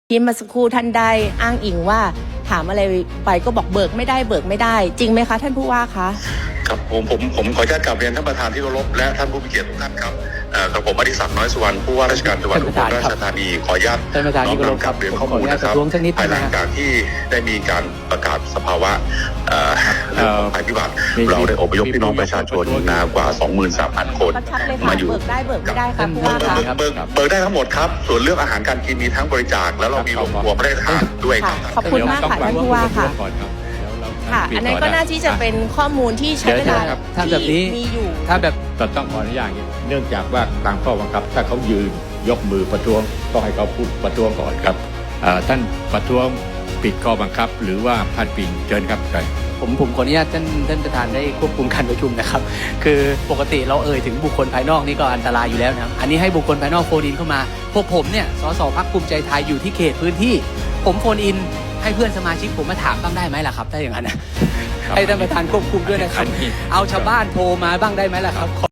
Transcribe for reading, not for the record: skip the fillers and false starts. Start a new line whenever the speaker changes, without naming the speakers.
ที่เมื่อสักครู่ท่านได้อ้างอิงว่าถามอะไรไปก็บอกเบิกไม่ได้จริงไหมคะท่านผู้ว่าคะ
ครับผมขออนุญาตกราบเรียนท่านประธานที่เคารพและท่านผู้มีเกียรติทุกท่านครับกับผมอดิศักดิ์น้อยสุวรรณผู้ว่าราชการจังหวัดอุบลราชธานีขออนุญาตน้อมนำกลับเรียนข้อมูลนะครับภายหลังจากที่ได้มีการประกาศสภาวะเรื่องของภัยพิบัติเราได้อพยพพี่น้องประชาชนกว่า 23,000 คนมาอยู่
เบิกได้เบิกไม่ได้ครับผู้ว่าคะ
เบิกได้ทั้งหมดครับส่วนเรื่องอาหารการกินมีทั้งบริจาคแล้วเรามีโรงครัวพระราชทานด้วยครับ
ขอบคุณมากค่ะท่านผู้ว่าค่ะค่ะอันนั้นก็น่าที่จะเป็นข้อมูลที่ใช้เวลาที่มีอยู่
ถ้าแบบต้องขออนุญาตเนื่องจากว่าตามข้อบังคับถ้าเขายืนยกมือประท้วงต้องให้เขาพูดประท้วงก่อนครับท่านประท้วงปิดข้อบังคับหรือว่าพาดพิงเชิญครับ
ผมขออนุญาตท่านประธานได้ควบคุมการประชุมนะครับคือปกติเราถึงบุคคลภายนอกนี่ก็อันตรายอยู่แล้วนะครับอันนี้ให้บุคคลภายนอกโฟนอินเข้ามาพวกผมเนี่ยสสพรรคภูมิใจไทยอยู่ที่เขตพื้นที่ผมโฟนอินให้เพื่อนสมาชิกผมมาถามบ้างได้ไหมล่ะครับถ้าอย่างนั้นให้ท่านประธานควบคุมด้วยนะครับเอาชาวบ้านโทรมาบ้างได้ไหมล่ะครับ